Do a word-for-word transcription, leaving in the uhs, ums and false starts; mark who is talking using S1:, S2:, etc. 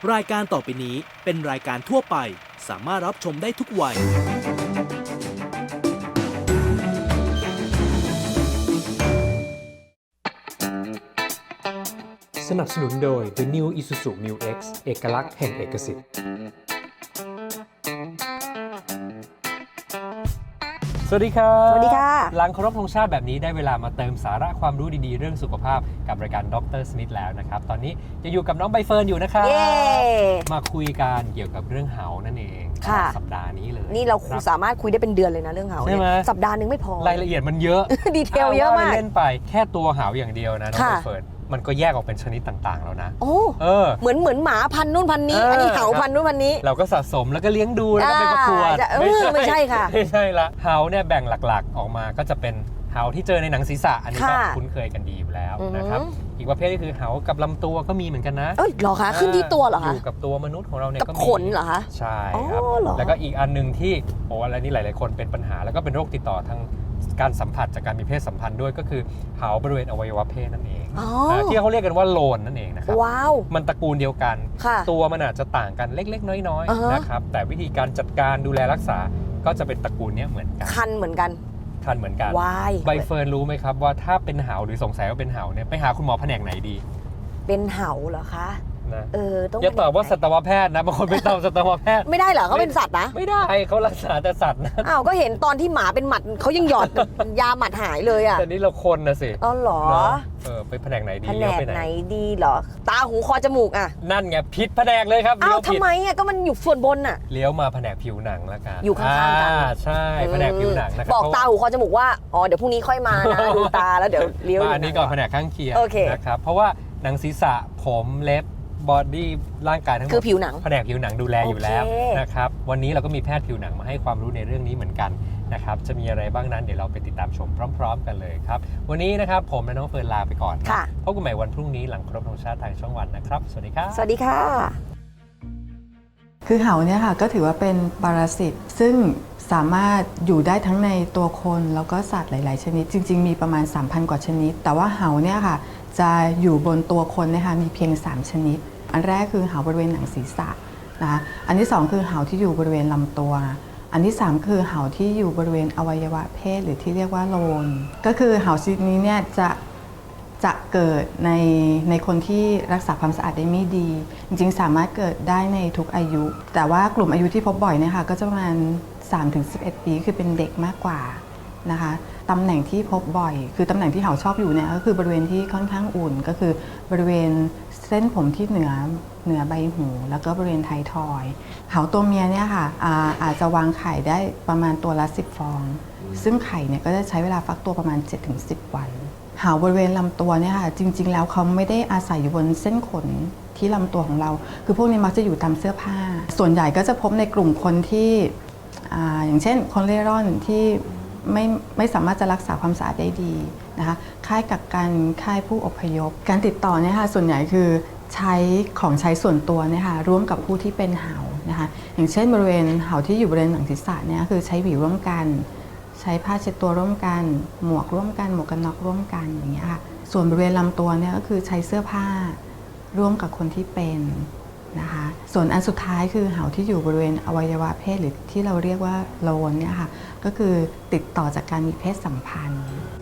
S1: รายการต่อไปนี้เป็นรายการทั่วไปสามารถรับชมได้ทุกวัย
S2: สนับสนุนโดย The New Isuzu Mu X เอกลักษณ์แห่งเอกสิทธิ์สวัสดีครับ
S3: สวัสดีค่ะ
S2: หลังเคารพธงชาติแบบนี้ได้เวลามาเติมสาระความรู้ดีๆเรื่องสุขภาพกับรายการด็อกเตอร์สมิธแล้วนะครับตอนนี้จะอยู่กับน้องใบเฟิร์นอยู่นะครับมาคุยกันเกี่ยวกับเรื่องเหานั่นเองสัปดาห์นี้เลย
S3: นี่เราสามารถคุยได้เป็นเดือนเลยนะเรื่องเหาเนี่ยสัปดาห์นึงไม่พอ
S2: รายละเอียดมันเยอะ
S3: ดีเทลเยอะมาก
S2: เล่นไปแค่ตัวเหาอย่างเดียวนะน้องใบเฟิร์นมันก็แยกออกเป็นชนิดต่างๆแล้วนะ
S3: โอ้เออเหมือนเหมือนหมาพันนู่นพันนี้อันนี้เหาพันนู่นพันนี้
S2: เราก็สะสมแล้วก็เลี้ยงดูแล้วก็ไปประกวด
S3: ไม่ใช่ค่ะ
S2: ไม่ใช่ละเหาเนี่ยแบ่งหลักๆออกมาก็จะเป็นเหาที่เจอในหนังศีรษะอันนี้ก็คุ้นเคยกันดีอยู่แล้วนะครับอีกประเภทก็คือเหากับลำตัวก็มีเหมือนกันนะ
S3: เอ้ยเหรอคะขึ้นที่ตัวเหรอคะ
S2: อยู่กับตัวมนุษย์ของเราเนี่ย
S3: ก็มีขนเหรอคะ
S2: ใช่ครับแล้วก็อีกอันนึงที่โอ้อะไรนี่หลายๆคนเป็นปัญหาแล้วก็เป็นโรคติดต่อทางการสัมผัสจากการมีเพศสัมพันธ์ด้วยก็คือเหาบริเวณอวัยวะเพศนั่นเองที่เขาเรียกกันว่าโลนนั่นเองนะครับ
S3: ว้าว
S2: มันตระกูลเดียวกันตัวมันอาจจะต่างกันเล็กๆน้อยๆนะครับแต่วิธีการจัดการดูแลรักษาก็จะเป็นตระกูลนี้เหมือนกัน
S3: คันเหมือนกัน
S2: คันเหมือนกันใบเฟิร์นรู้ไหมครับว่าถ้าเป็นเหาหรือสงสัยว่าเป็นเหาเนี่ยไปหาคุณหมอแผนกไหนดี
S3: เป็นเหาเหรอคะ
S2: นะเออต้องอย่าตอบว่าสัตวแพทย์นะบางคนไปตอบสัตวแพทย์
S3: ไม่ได้เหรอเขาเป็นสัตว์นะ
S2: ไม่ได้เขารักษาแต่สัตว์นะ
S3: อ้าวก็เห็นตอนที่หมาเป็นหมัดเขายังหยอดยาหมัดหายเลยอ่ะ
S2: แต่นี่เราคนนะสิ
S3: อ๋อเหรอ
S2: เออไปแผนกไหนดี
S3: แผนกไหนดีเหรอตาหูคอจมูกอ่ะ
S2: นั่นไงผิดแผนกเลยครับ
S3: อ้าวทำไมอ่ะก็มันอยู่ส่วนบนอ่ะ
S2: เลี้ยวมาแผนกผิวหนังแล้วกัน
S3: อยู่ข้างๆกัน
S2: ใช่แผนกผิวหนังนะครับ
S3: บอกตาหูคอจมูกว่าอ๋อเดี๋ยวพรุ่งนี้ค่อยมานะดูตาแล้วเดี๋ยวเลี้ยว
S2: มาอันนี้ก่อนแผนกข้างเคียงนะครับเพราะว่าหนังศีรษะผมเล็บบอดี้ร่างกายทั้งหมด
S3: คือผิวหนัง
S2: แผนกผิวหนังดูแลอยู่แล้วนะครับวันนี้เราก็มีแพทย์ผิวหนังมาให้ความรู้ในเรื่องนี้เหมือนกันนะครับจะมีอะไรบ้างนั้นเดี๋ยวเราไปติดตามชมพร้อมๆกันเลยครับวันนี้นะครับผมและน้องเฟิร์นลาไปก่อนพบกันใหม่วันพรุ่งนี้หลังครบธงชาติทางช่องวันนะครับสวัสดีครับ
S3: สวัสดีค่ะ
S4: คือเหาเนี่ยค่ะก็ถือว่าเป็นปรสิตซึ่งสามารถอยู่ได้ทั้งในตัวคนแล้วก็สัตว์หลายๆชนิดจริงๆมีประมาณ สามพัน กว่าชนิดแต่ว่าเหาเนี่ยค่ะจะอยู่บนตัวคนนะคะมีเพียงสามชนิดอันแรกคือเหาบริเวณหนังศีรษะนะคะอันที่สองคือเหาที่อยู่บริเวณลำตัวอันที่สามคือเหาที่อยู่บริเวณอวัยวะเพศหรือที่เรียกว่าโลนก็คือเหาชนิดนี้เนี่ยจะจะเกิดในในคนที่รักษาความสะอาดได้ไม่ดีจริงๆสามารถเกิดได้ในทุกอายุแต่ว่ากลุ่มอายุที่พบบ่อยเนี่ยค่ะก็จะประมาณ สามถึงสิบเอ็ด ปีคือเป็นเด็กมากกว่านะคะตำแหน่งที่พบบ่อยคือตำแหน่งที่เหาชอบอยู่เนี่ยก็คือบริเวณที่ค่อนข้างอุ่นก็คือบริเวณเส้นผมที่เหนือเหนือใบหูแล้วก็บริเวณไททอยด์เหาตัวเมียเนี่ยค่ะ อา, อาจจะวางไข่ได้ประมาณตัวละสิบฟองซึ่งไข่เนี่ยก็จะใช้เวลาฟักตัวประมาณ เจ็ดถึงสิบ วันเหาบริเวณลำตัวเนี่ยค่ะจริงๆแล้วเขาไม่ได้อาศัยอยู่บนเส้นขนที่ลำตัวของเราคือพวกนี้มักจะอยู่ตามเสื้อผ้าส่วนใหญ่ก็จะพบในกลุ่มคนที่ อ, อย่างเช่นคนเร่ร่อนที่ไม่ไม่สามารถจะรักษาความสะอาดได้ดีนะคะค่ายกักกันค่ายผู้อพยพการติดต่อเนี่ยค่ะส่วนใหญ่คือใช้ของใช้ส่วนตัวเนี่ยค่ะร่วมกับผู้ที่เป็นเหานะคะอย่างเช่นบริเวณเหาที่อยู่บริเวณหนังศีรษะเนี่ยคือใช้หวีร่วมกันใช้ผ้าเช็ดตัวร่วมกันหมวกร่วมกันหมวกกันน็อกร่วมกันอย่างเงี้ยค่ะส่วนบริเวณลำตัวเนี่ยก็คือใช้เสื้อผ้าร่วมกับคนที่เป็นนะคะส่วนอันสุดท้ายคือเหาที่อยู่บริเวณอวัยวะเพศหรือที่เราเรียกว่าโลนเนี่ยค่ะก็คือติดต่อจากการมีเพศสัมพันธ์